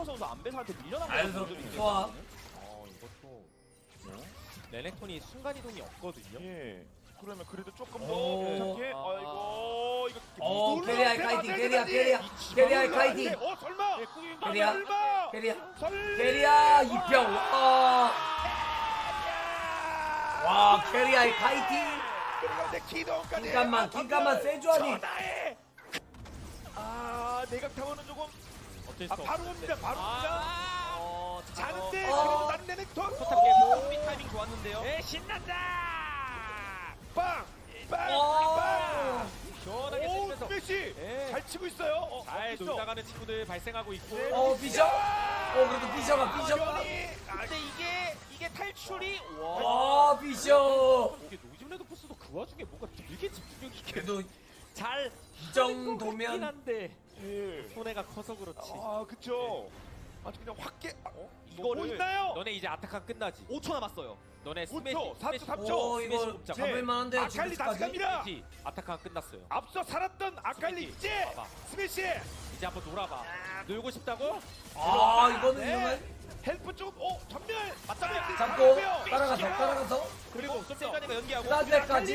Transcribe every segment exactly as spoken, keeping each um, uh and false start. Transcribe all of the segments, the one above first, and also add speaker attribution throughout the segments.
Speaker 1: 선수 안배사한테 밀려난
Speaker 2: 자연스럽게
Speaker 1: 모습이
Speaker 2: 좋아.
Speaker 1: 있거든요. 어 이것도 레넥톤이 순간 이동이 없거든요.
Speaker 3: 예. 그러면 그래도 조금 더
Speaker 2: 오.
Speaker 3: 괜찮게.
Speaker 1: 아.
Speaker 3: 아이고 이거
Speaker 2: 어,
Speaker 3: 놀라-
Speaker 2: 캐리아의
Speaker 3: 대박,
Speaker 2: 카이팅,
Speaker 3: 대박,
Speaker 2: 캐리아,
Speaker 3: 대박이.
Speaker 2: 캐리아,
Speaker 3: 이
Speaker 2: 캐리아의
Speaker 3: 집안을
Speaker 2: 카이팅.
Speaker 3: 놀라는데, 어 설마.
Speaker 1: 네, 꾸준히
Speaker 2: 캐리아.
Speaker 3: 설마.
Speaker 2: 캐리아,
Speaker 3: 설마.
Speaker 2: 캐리아 이평. 와, 와, 캐리아의 카이팅.
Speaker 3: 그런데 기동까지.
Speaker 2: 긴깐만, 긴깐만 세주하니.
Speaker 3: 전화해. 아 내각 타워는 조금.
Speaker 1: 어쩔 수
Speaker 3: 아
Speaker 1: 없어.
Speaker 3: 바로 옵니다. 바로 옵니다.
Speaker 1: 어,
Speaker 3: 자는데
Speaker 2: 어.
Speaker 3: 그래도 나는 레넥톤.
Speaker 1: 포탑게 준비 타이밍 좋았는데요.
Speaker 3: 네 신난다. 빵. 빵.
Speaker 2: 와.
Speaker 3: 빵.
Speaker 1: 시원하게
Speaker 3: 오
Speaker 1: 때리면서
Speaker 3: 스매시.
Speaker 1: 네.
Speaker 3: 잘 치고 있어요. 어,
Speaker 1: 잘
Speaker 3: 있어.
Speaker 1: 놀다가는 친구들 발생하고 있고.
Speaker 3: 네.
Speaker 2: 어, 비셔. 어, 그래도 비셔가, 비셔가.
Speaker 3: 변이. 아,
Speaker 1: 근데 이게 이게 탈출이 와.
Speaker 2: 와, 비셔.
Speaker 1: 이게 노즘 레드포스도 그 와중에 뭔가 되게 집중력 있게
Speaker 2: 그래도
Speaker 1: 잘
Speaker 2: 이 정도면-
Speaker 1: 하는 것 같긴 한데
Speaker 3: 예.
Speaker 1: 손해가 커서 그렇지.
Speaker 3: 아 그쵸. 아주 그냥 확 깨.
Speaker 1: 어?
Speaker 3: 뭐
Speaker 1: 이거를
Speaker 3: 있나요?
Speaker 1: 너네 이제 아타칸 끝나지.
Speaker 4: 오 초 남았어요.
Speaker 1: 너네
Speaker 3: 오 초,
Speaker 1: 스매시,
Speaker 3: 사 초,
Speaker 1: 스매시,
Speaker 3: 삼 초.
Speaker 2: 오,
Speaker 1: 스매시
Speaker 2: 이거
Speaker 1: 뽑자.
Speaker 2: 잡을 만한데요,
Speaker 3: 아칼리 다시
Speaker 2: 지금까지.
Speaker 3: 갑니다.
Speaker 1: 스매시. 아타칸 끝났어요.
Speaker 3: 앞서 살았던 아칼리
Speaker 1: 스매시.
Speaker 3: 이제
Speaker 1: 봐봐.
Speaker 3: 스매시.
Speaker 1: 이제 한번 놀아봐. 놀고 싶다고?
Speaker 2: 아, 이거는
Speaker 3: 네.
Speaker 2: 위험해.
Speaker 3: 헬프 쪽. 오 전멸.
Speaker 1: 맞다.
Speaker 2: 잡고 따라가서, 따라가서.
Speaker 1: 그리고 좀 세가니가 연기하고.
Speaker 2: 그 때까지.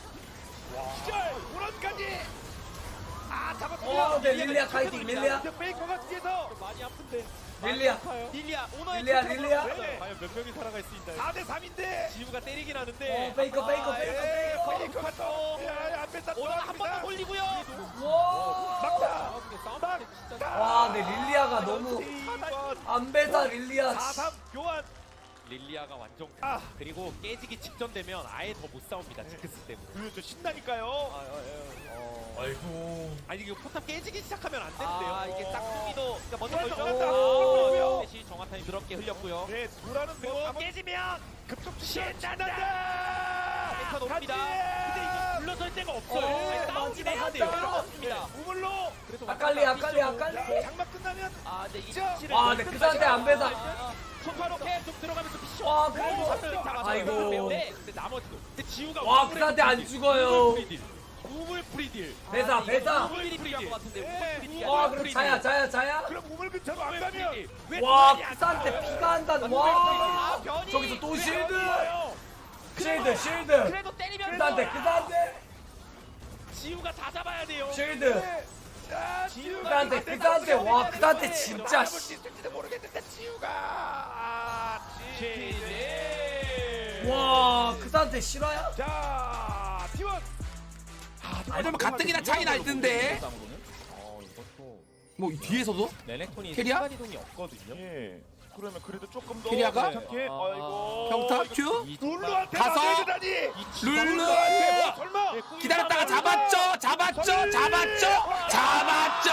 Speaker 3: 기절. 우런까지. 아
Speaker 2: 어,
Speaker 3: 잡았고요.
Speaker 2: 네, 릴리아 카이팅, 릴리아.
Speaker 3: 페이커가 뒤에서
Speaker 1: 많이 아픈데.
Speaker 2: 릴리아.
Speaker 1: 아파요.
Speaker 4: 릴리아 오너의
Speaker 2: 릴리아,
Speaker 4: 투척으로
Speaker 2: 릴리아.
Speaker 3: 네.
Speaker 1: 과연 몇 명이 살아갈 수 있나요?
Speaker 3: 사 대 삼인데.
Speaker 1: 지우가 때리긴 하는데.
Speaker 2: 어, 페이커, 페이커,
Speaker 1: 아,
Speaker 2: 페이커,
Speaker 1: 예.
Speaker 2: 페이커.
Speaker 3: 페이커가 또. 야, 앞에 다
Speaker 4: 오너 한 번 더
Speaker 3: 돌아갑니다.
Speaker 4: 돌리고요.
Speaker 2: 와.
Speaker 3: 막다.
Speaker 1: 아, 근데 싸움 진짜.
Speaker 2: 와, 네, 릴리아가 너무 안배사 릴리아.
Speaker 3: 사 삼 교환.
Speaker 1: 릴리아가 완전.
Speaker 3: 아.
Speaker 1: 그리고 깨지기 직전 되면 아예 더 못 싸웁니다. 징크스 때문에.
Speaker 3: 그렇죠. 신나니까요.
Speaker 1: 아, 아, 아, 어.
Speaker 2: 아이고.
Speaker 1: 아니 이거 포탑 깨지기 시작하면 안 되는데요.
Speaker 4: 아 이게 싹둥이도 그러니까 먼저
Speaker 3: 맞아,
Speaker 4: 걸죠.
Speaker 3: 맞아.
Speaker 1: 아, 셋이 정화탄이 더럽게 흘렸고요.
Speaker 3: 네, 돌아는
Speaker 1: 그리고
Speaker 3: 거
Speaker 1: 깨지면
Speaker 3: 급속
Speaker 1: 신난다!
Speaker 4: 메카 높습니다.
Speaker 1: 근데 이거 물러설 데가 없어요.
Speaker 2: 어,
Speaker 1: 아니, 싸우긴 해야 돼요.
Speaker 2: 마지막
Speaker 1: 필요가 없습니다.
Speaker 3: 우물로.
Speaker 1: 그래도
Speaker 2: 아칼리, 아칼리, 아칼리.
Speaker 3: 야, 장막 끝나면
Speaker 4: 아 근데 이
Speaker 3: 자.
Speaker 4: 치를
Speaker 2: 와, 네, 그 상태 안배사.
Speaker 1: 손바로 계속 들어가면서 피셔.
Speaker 2: 와, 그래도.
Speaker 1: 잡았어요.
Speaker 2: 아이고.
Speaker 1: 근데 나머지도. 근데 지우가
Speaker 2: 와,
Speaker 1: 우물
Speaker 2: 그 상태 안
Speaker 1: 프리딜.
Speaker 2: 죽어요.
Speaker 1: 우물 프리딜. 우물 프리딜.
Speaker 2: 배사, 배사.
Speaker 1: 우물
Speaker 4: 필요한 것 같은데
Speaker 3: 네.
Speaker 4: 우물 프리딜이
Speaker 2: 와,
Speaker 4: 아니라
Speaker 2: 그럼 자야, 자야, 자야.
Speaker 3: 그럼 우물 근처로 안 가면
Speaker 2: 와, 그 상태 피가 한단. 와.
Speaker 4: 아, 변이.
Speaker 2: 저기서 또
Speaker 4: 왜
Speaker 2: 실드.
Speaker 3: 좋아요.
Speaker 2: 실드, 실드.
Speaker 4: 그래도 때리면
Speaker 2: 그 상태, 그 상태.
Speaker 1: 지우가 다 잡아야 돼요.
Speaker 2: 실드.
Speaker 3: 자, 지우가
Speaker 2: 그한테, 그한테, 와, 그한테 진짜,
Speaker 3: 잡을 수 있을지도 모르겠는데 지우가. 아, 지.
Speaker 2: 와, 그 상태 실화야?
Speaker 3: 자, 티원.
Speaker 5: 그러면 가뜩이나 차이 날 텐데.
Speaker 1: 어 이것도
Speaker 5: 뭐 뒤에서도?
Speaker 1: 레넥톤이
Speaker 5: 캐리아?
Speaker 1: 순간 이동이 없거든요.
Speaker 3: 예. 그러면 그래도 조금 더
Speaker 5: 캐리아가?
Speaker 3: 괜찮게.
Speaker 1: 아,
Speaker 3: 아이고.
Speaker 5: 평타
Speaker 3: 이거
Speaker 5: 큐?
Speaker 1: 이
Speaker 3: 룰루한테
Speaker 5: 가서.
Speaker 3: 맞아야다니.
Speaker 5: 룰루.
Speaker 3: 룰루한테 뭐 설마.
Speaker 5: 기다렸다가 잡았죠, 잡았죠, 잡았죠, 잡았죠.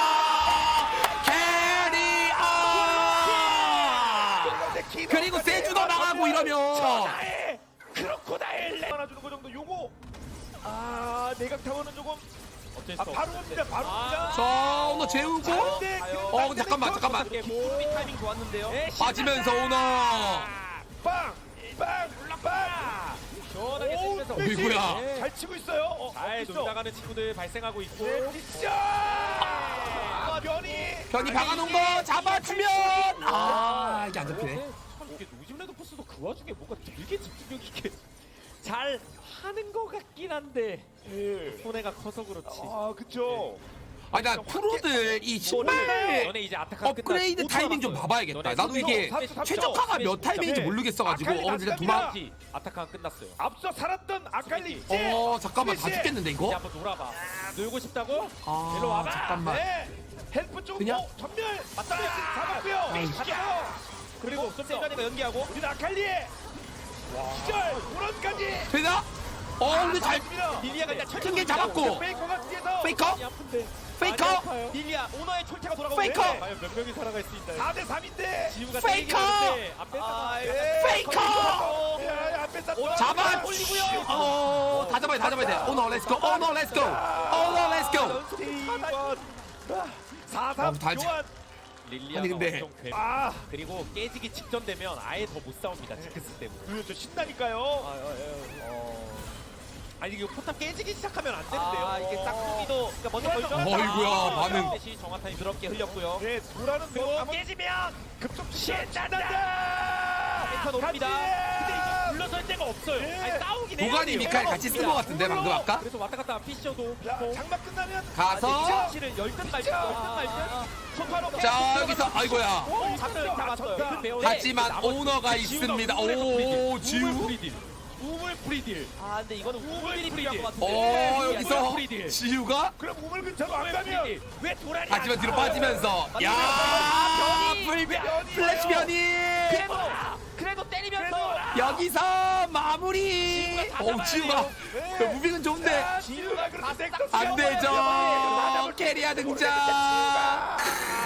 Speaker 5: 캐리어. 그리고 세주도 나가고 이러면.
Speaker 3: 전화해. 크로코다일 하나 주는 거 정도 요거. 아, 내각 타워는 조금.
Speaker 1: 어쩔 수
Speaker 3: 아, 바로
Speaker 1: 없는데.
Speaker 3: 옵니다. 바로 옵니다.
Speaker 5: 자, 오너 재우고.
Speaker 3: 근데
Speaker 5: 어, 근데 잠깐만, 잠깐만.
Speaker 4: 준비 타이밍 좋았는데요.
Speaker 5: 빠지면서 오너.
Speaker 3: 빵! 빵! 빵!
Speaker 1: 시원하게
Speaker 3: 오,
Speaker 1: 때리면서.
Speaker 3: 스매시!
Speaker 5: 어이구야.
Speaker 3: 잘 치고 있어요. 어,
Speaker 1: 잘
Speaker 3: 있어.
Speaker 1: 놀다가는 친구들 발생하고 있고.
Speaker 3: 네, 미션! 아, 변이!
Speaker 5: 변이 박아놓은 거 잡아주면. 아, 이게 안 잡히네.
Speaker 1: 참 이게 노즘 레드포스도 그 와중에 뭔가 되게 집중력 있게 잘 하는 것 같긴 한데
Speaker 3: 예.
Speaker 1: 손해가 커서 그렇지.
Speaker 3: 아, 그쵸.
Speaker 5: 아니 나 프로들 이 신발
Speaker 1: 너네 이제 아타칸
Speaker 5: 업그레이드
Speaker 1: 끝났-
Speaker 5: 타이밍 좀
Speaker 1: 남았어요.
Speaker 5: 봐봐야겠다.
Speaker 1: 너네
Speaker 5: 나도 이게
Speaker 3: 삼 초, 삼 초.
Speaker 5: 최적화가 몇 타이밍인지
Speaker 3: 네.
Speaker 5: 모르겠어가지고
Speaker 3: 아칼리
Speaker 5: 어 근데
Speaker 3: 다
Speaker 5: 두방.
Speaker 1: 다시 아타칸 끝났어요.
Speaker 3: 앞서 살았던 아칼리 이제!
Speaker 5: 어 잠깐만 다
Speaker 3: 스매시!
Speaker 5: 죽겠는데
Speaker 1: 이제
Speaker 5: 이거?
Speaker 1: 한번 놀아봐. 놀고 싶다고?
Speaker 5: 아
Speaker 1: 일로 와봐.
Speaker 5: 잠깐만.
Speaker 3: 네! 헬프 쪽
Speaker 5: 그냥?
Speaker 3: 어, 전멸! 맞다! 잡았고요!
Speaker 5: 아이,
Speaker 3: 가져요!
Speaker 1: 그리고 좀 세가니가 연기하고.
Speaker 3: 우리 아칼리의 기절! 우런까지!
Speaker 5: 되나? 어 근데 잘
Speaker 1: 릴리아가 일단 철퇴
Speaker 5: 튕긴 잡았고.
Speaker 3: 페이커가 뒤에서
Speaker 5: 페이커?
Speaker 1: 많이 아픈데.
Speaker 5: 페이커?
Speaker 1: 많이 아파요.
Speaker 4: 릴리아 오너의 철퇴가 돌아가고
Speaker 5: 페이커?
Speaker 4: 있는데
Speaker 1: 과연 몇 명이 살아갈 수 있나요?
Speaker 3: 사 대 삼인데!
Speaker 1: 지우가
Speaker 5: 페이커!
Speaker 1: 때리긴 하는데 앞에서
Speaker 4: 아,
Speaker 3: 예.
Speaker 5: 페이커!
Speaker 3: 야, 앞에 딱
Speaker 5: 잡아.
Speaker 3: 올리고요!
Speaker 5: 어다 잡아야 돼, 다 잡아야 돼. 오너 렛츠고. 오너 렛츠고. 오너 렛츠고.
Speaker 3: 사
Speaker 5: 어,
Speaker 3: 삼
Speaker 5: 다
Speaker 3: 교환!
Speaker 1: 릴리아가
Speaker 5: 아니, 근데-
Speaker 1: 엄청 괴.
Speaker 3: 아!
Speaker 1: 그리고 깨지기 직전 되면 아예 더 못 싸웁니다. 징크스 때문에.
Speaker 3: 그렇죠. 신나니까요.
Speaker 1: 어. 아니 이거 포탑 깨지기 시작하면 안 되는데요.
Speaker 4: 아 이게 짝꿍이도 그러니까 먼저 걸죠.
Speaker 5: 어이구야, 반응.
Speaker 4: 대시 정화탄이 더럽게 흘렸고요.
Speaker 3: 네, 도라는
Speaker 1: 그리고
Speaker 3: 거
Speaker 1: 깨지면
Speaker 3: 급속
Speaker 1: 신난다.
Speaker 4: 펜타 높입니다.
Speaker 1: 근데 이거 물러설 데가 없어요.
Speaker 3: 네.
Speaker 1: 아니 싸우긴 해야
Speaker 5: 도가니
Speaker 1: 돼요.
Speaker 5: 미카엘 같이 쓴 것 같은데 방금 아까?
Speaker 1: 그래서 왔다 갔다 피셔도
Speaker 3: 야, 장막 끝나면
Speaker 5: 가서
Speaker 1: 실을 열든 말든 열든 말든 초파로
Speaker 5: 자 여기서 아이고야.
Speaker 1: 오 잡혀요 잡았어요.
Speaker 3: 졌다.
Speaker 1: 그 배우에
Speaker 5: 하지만
Speaker 1: 나머지
Speaker 5: 오너가
Speaker 1: 지우가
Speaker 5: 있습니다.
Speaker 1: 우물에서
Speaker 5: 오,
Speaker 1: 프리딜.
Speaker 5: 지우?
Speaker 1: 우물 프리딜. 우물 프리딜.
Speaker 4: 아 근데 이거는 우물이
Speaker 1: 프리딜.
Speaker 4: 필요할 것 같은데.
Speaker 5: 어
Speaker 1: 우물
Speaker 5: 여기서
Speaker 1: 프리딜.
Speaker 5: 지우가
Speaker 3: 그럼 우물 근처로 안
Speaker 1: 우물
Speaker 3: 가면
Speaker 1: 프리딜. 왜 도라니?
Speaker 5: 하지만 뒤로 빠지면서 야
Speaker 4: 변이!
Speaker 5: 불변 플래시 변이
Speaker 4: 그래도 그래도 때리면서
Speaker 5: 여기서 마무리. 오 지우가 그 무빙은 좋은데
Speaker 3: 지우가 그렇게
Speaker 5: 안 되죠. 캐리아 등장.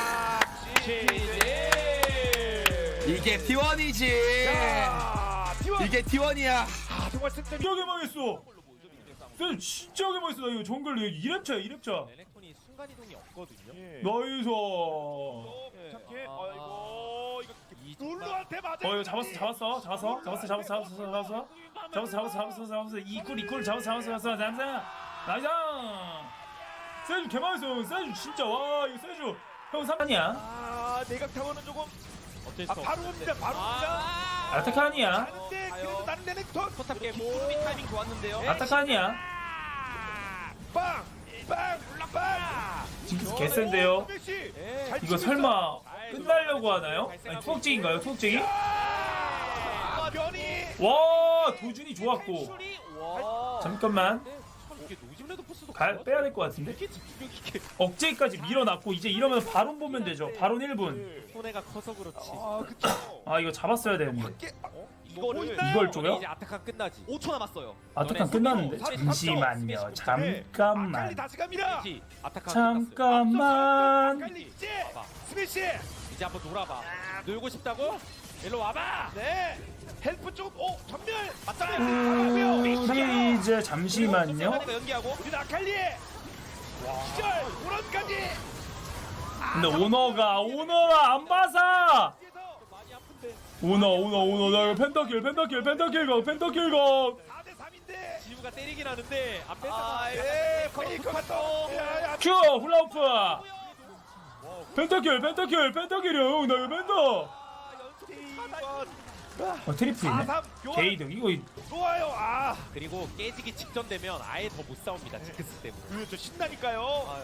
Speaker 5: 이게 티원이지. 이게 티원이야.
Speaker 3: 아, 정말 승점이
Speaker 6: 진짜 개망했어. 쌤 진짜 개망했어. 나 이거 정글 이 렙차야 이 렙차.
Speaker 1: 레넥톤이 순간 이동이 없거든요.
Speaker 3: 예.
Speaker 6: 나이스.
Speaker 3: 착해.
Speaker 4: 아.
Speaker 3: 아이고 이거
Speaker 1: 이
Speaker 3: 룰루한테 맞아.
Speaker 6: 어 이거 잡았어 잡았어 잡았어 잡았어 잡았어 잡았어 잡았어 잡았어 잡았어 잡았어 잡았어 이꿀 이꿀 잡았어 잡았어 잡았어 잡았어 나이스. 세주 개망했어. 세주 진짜 와 이거 세주 형 삼판이야.
Speaker 3: 아, 내각 타워는 조금
Speaker 1: 어쩔 수
Speaker 3: 아,
Speaker 1: 없어.
Speaker 3: 바로 옵니다. 바로 옵니다.
Speaker 6: 아타칸이야.
Speaker 3: 하는데 그래도 나는 레넥톤
Speaker 1: 포탑 깨고
Speaker 4: 구름이 타이밍 좋았는데요.
Speaker 6: 아타칸이야.
Speaker 3: 빵! 빵! 빵!
Speaker 6: 징크스 개센데요.
Speaker 3: 메시!
Speaker 1: 예.
Speaker 3: 잘
Speaker 6: 이거
Speaker 3: 치고
Speaker 6: 설마 끝나려고 하나요? 아니 투억쟁인가요 투억쟁이?
Speaker 3: 아, 변이!
Speaker 6: 와 도준이 좋았고.
Speaker 1: 슈리
Speaker 4: 와.
Speaker 6: 잠깐만
Speaker 1: 참 이게 노즘레드 포스도
Speaker 6: 가, 빼야 될 것 같은데.
Speaker 1: 이렇게 집중력 있게
Speaker 6: 억제기까지 밀어놨고 이제 이러면 바론 보면 되죠. 바론 일 분.
Speaker 1: 손해가 커서 그렇지.
Speaker 3: 아, 그쵸.
Speaker 6: 아 이거 잡았어야 되는데.
Speaker 3: 밖에
Speaker 4: 이거를
Speaker 6: 이걸 쪼요?
Speaker 1: 이제 아타칸 끝나지.
Speaker 4: 오 초 남았어요.
Speaker 6: 아타칸 끝났는데. 잠시만요.
Speaker 3: 아칼리
Speaker 6: 잠깐만.
Speaker 3: 다시 갑니다.
Speaker 1: 그렇지. 아타칸
Speaker 6: 잠깐만.
Speaker 3: 아칼리 이제
Speaker 1: 봐봐.
Speaker 3: 스매시!
Speaker 1: 이제 한번 놀아봐. 놀고 싶다고? 일로 와봐.
Speaker 3: 네! 헬프 쪽, 오! 전멸! 맞다!
Speaker 6: 우리 이제 잠시만요.
Speaker 4: 순간이가 연기하고
Speaker 3: 우리 아칼리! 기절! 오런까지!
Speaker 6: 근데 오너가 오너가 안 봐서.
Speaker 1: 많이 아픈데.
Speaker 6: 오너 오너 오너 나 이거 펜타킬 펜타킬 펜타킬 각 펜타킬 각.
Speaker 3: 사 대 삼인데!
Speaker 1: 지우가 때리긴 하는데 안 뺐다.
Speaker 4: 아,
Speaker 3: 예! 페이커 갔다! 야, 야,
Speaker 6: 큐 훌라우프. 펜타킬 펜타킬 펜타킬이야 형 나 이거 펜타. 어 트리플이네.
Speaker 3: 사 삼 교환!
Speaker 6: 게이득 이거
Speaker 3: 좋아요! 아!
Speaker 1: 그리고 깨지기 직전 되면 아예 더 못 싸웁니다. 징크스 때문에.
Speaker 3: 그렇죠, 신나니까요!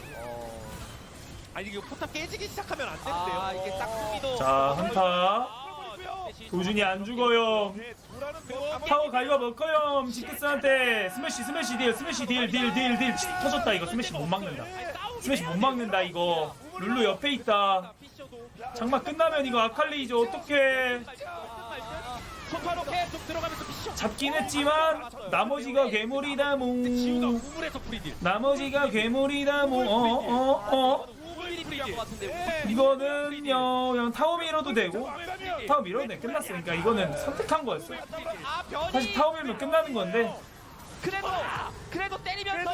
Speaker 1: 아니 이거 포탑 깨지기 시작하면 안 되는데요.
Speaker 4: 아 이게 짝꿍이도
Speaker 6: 자 한타. 도준이 안 죽어요.
Speaker 3: 네, 도라는 거
Speaker 6: 타워 가이가 먹어요. 징크스한테 스매시 스매시 딜 스매시 딜 딜 딜 딜 터졌다 이거 스매시 못 막는다. 스매시 못 막는다 이거. 룰루 옆에 있다. 장마 끝나면 이거 아칼리 이제 어떡해.
Speaker 1: 소파로 계속 들어가면서 미션.
Speaker 6: 잡긴 했지만 나머지가 괴물이다
Speaker 1: 지우가
Speaker 6: 모.
Speaker 1: 우물에서 프리딜.
Speaker 6: 나머지가 괴물이다 모. 어어 어.
Speaker 1: 우물이
Speaker 4: 필요할 것
Speaker 1: 프리딜.
Speaker 4: 같은데.
Speaker 6: 이거는요 그냥 타워 밀어도 되고 타워 밀어도 돼 끝났으니까 이거는 선택한 거였어.
Speaker 4: 아 변이.
Speaker 6: 사실 타워 밀면 끝나는 건데
Speaker 4: 그래도 그래도 때리면서.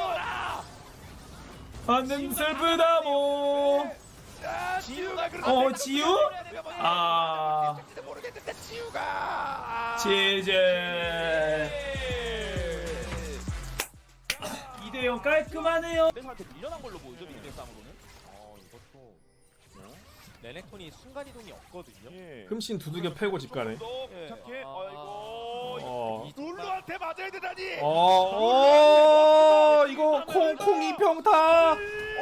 Speaker 6: 안는 슬프다 모.
Speaker 3: 아, 지우가 그렇게
Speaker 6: 어 지우? 아
Speaker 3: 모르겠는데 지우가
Speaker 6: 제제 이 대 영 깔끔하네요.
Speaker 4: 상대한테 밀려난 걸로 보이죠 빅대 싸움으로는.
Speaker 1: 어 이것도 레넥톤이 순간 이동이 없거든요.
Speaker 3: 예.
Speaker 7: 흠씬 두들겨 패고 집 가네.
Speaker 3: 또
Speaker 4: 예.
Speaker 3: 착해.
Speaker 4: 아,
Speaker 3: 아이고.
Speaker 7: 어.
Speaker 3: 룰루한테 맞아야 되다니.
Speaker 7: 어, 어, 이거 콩콩 이평타.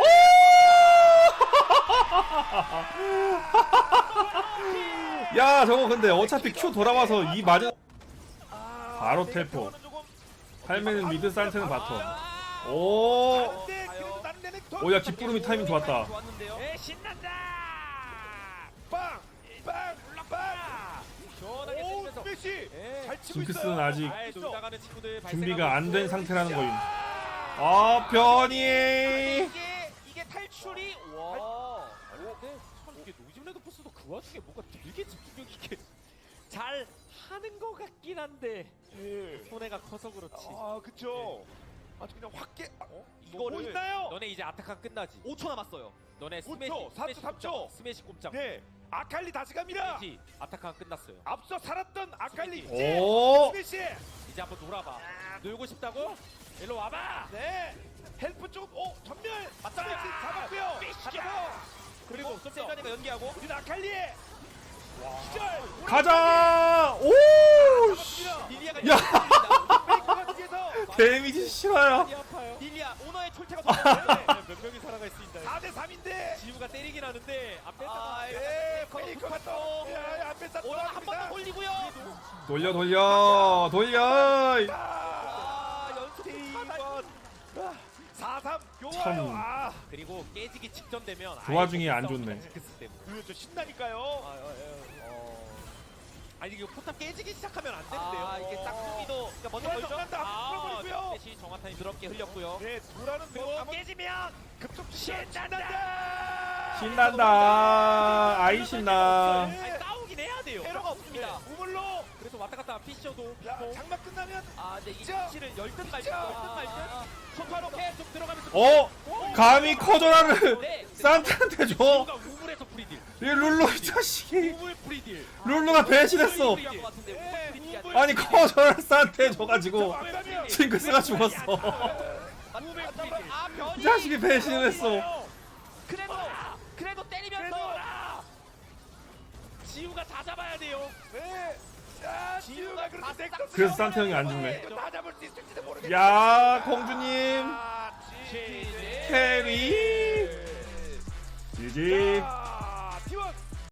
Speaker 7: 오! 야, 저거 근데 어차피 Q 돌아와서 이 맞은 바로 텔포. 팔매는 미드, 산테는 바텀. 오,
Speaker 3: 근데 그래도 나는 레넥톤.
Speaker 7: 오, 야 기쁘름이 타이밍 좋았다.
Speaker 4: 좋았는데요.
Speaker 1: 에 신난다.
Speaker 3: 빵! 빵! 빵!
Speaker 1: 시원하게
Speaker 3: 오,
Speaker 1: 때리면서.
Speaker 3: 스매시!
Speaker 1: 예.
Speaker 3: 잘 치고
Speaker 7: 징크스는
Speaker 3: 있어요.
Speaker 7: 아직
Speaker 1: 아예 놀다 가는 친구들
Speaker 7: 준비가 안 된
Speaker 1: 발생하고
Speaker 7: 상태라는 거임. 아, 변이.
Speaker 4: 이게 이게 탈출이 와.
Speaker 1: 있어. 근데 참 이게 노즘레드 포스도 그 와중에 뭔가 되게 집중력 있게 잘 하는 것 같긴 한데
Speaker 3: 예.
Speaker 1: 손해가 커서 그렇지.
Speaker 3: 아, 그쵸. 아주 그냥 확 깨. 어?
Speaker 1: 이거를
Speaker 3: 보이나요?
Speaker 1: 너네 이제 아타칸 끝나지.
Speaker 4: 오 초 남았어요.
Speaker 1: 너네
Speaker 3: 오 초,
Speaker 1: 스매시
Speaker 3: 사 초,
Speaker 1: 스매시
Speaker 3: 삼 초.
Speaker 1: 꼼짝, 스매시 꼼짝.
Speaker 3: 네. 아칼리 다시 갑니다.
Speaker 1: 지 아타칸 끝났어요.
Speaker 3: 앞서 살았던 아칼리 이제
Speaker 7: 오.
Speaker 3: 스매시.
Speaker 1: 이제 한번 놀아봐. 놀고 싶다고? 일로 와봐.
Speaker 3: 네. 헬프 쪽, 오 전멸 맞다. 잡았고요. 잡아서
Speaker 4: 그리고 세가니가 연기하고
Speaker 3: 우리 아칼리. 기절.
Speaker 7: 가자. 오. 씨.
Speaker 4: 릴리아가
Speaker 7: 야.
Speaker 3: 페이커가 뒤에서
Speaker 7: 데미지 싫어요.
Speaker 1: 이 아파요.
Speaker 4: 릴리아 오너의 철퇴가 섰는데
Speaker 1: 몇 명이 살아가 있습니다.
Speaker 3: 사 대 삼인데.
Speaker 1: 지우가 때리긴 하는데 안 뺐다.
Speaker 4: 아,
Speaker 3: 예,
Speaker 4: 페이커가
Speaker 3: 페이커가 또 야, 앞에 다
Speaker 4: 오너 한 번 더 올리고요.
Speaker 7: 돌려 돌려 돌려.
Speaker 3: 아, 연속 이번 사 삼
Speaker 7: 참.
Speaker 3: 좋아요. 아,
Speaker 1: 그리고 깨지기 직전 되면
Speaker 7: 그 와중에 안 좋네.
Speaker 1: 징크스 때문에.
Speaker 3: 그렇죠. 신나니까요.
Speaker 1: 아, 어, 어. 아니 이거 포탑 깨지기 시작하면 안 되는데요.
Speaker 4: 아, 이게 짝퉁이도 그러니까 먼저
Speaker 3: 먼저
Speaker 4: 걸죠.
Speaker 3: 간다.
Speaker 4: 아,
Speaker 3: 풀어버리고요.
Speaker 1: 대시 정화탄이 더럽게 흘렸고요.
Speaker 3: 네, 도라는 뭐
Speaker 1: 그리고
Speaker 3: 한번
Speaker 1: 깨지면
Speaker 3: 급속 신난다.
Speaker 7: 신난다. 아이 신나.
Speaker 1: 아니, 싸우긴 해야 돼요.
Speaker 4: 에러가 없습니다.
Speaker 3: 우물로.
Speaker 1: 그래서 왔다 갔다 피셔도
Speaker 3: 야,
Speaker 1: 뭐
Speaker 3: 장막 끝나면
Speaker 4: 아, 근데 이
Speaker 3: 진짜.
Speaker 4: 위치를 열든 말든
Speaker 3: 진짜.
Speaker 4: 열든 말든
Speaker 1: 소파로 계속 들어가면서
Speaker 7: 어? 감히 커져라를
Speaker 4: 네.
Speaker 7: 산타한테 줘.
Speaker 1: 지우가 우물에서 프리딜.
Speaker 7: 이 룰루 이 자식이.
Speaker 1: 우물 프리딜.
Speaker 7: 룰루가 배신했어.
Speaker 4: 필요한 것 같은데
Speaker 3: 네,
Speaker 4: 우물 프리딜이
Speaker 3: 우물.
Speaker 7: 아니 커져라를 산타에 줘가지고
Speaker 3: 막다면
Speaker 7: 징크스가 죽었어.
Speaker 1: 우물 프리딜.
Speaker 4: 아, 변이.
Speaker 7: 이 자식이 배신했어.
Speaker 4: 그래도 그래도 때리면서
Speaker 1: 지우가 다 잡아야 돼요.
Speaker 3: 네. 자, 지우가 그렇게 넥서스
Speaker 7: 그래서 산타 형이 안 죽네.
Speaker 3: 이거 다 잡을 수 있을지도 모르겠네.
Speaker 7: 야 공주님
Speaker 3: 아,
Speaker 1: 지-
Speaker 7: 캐리. 지지.
Speaker 3: 자,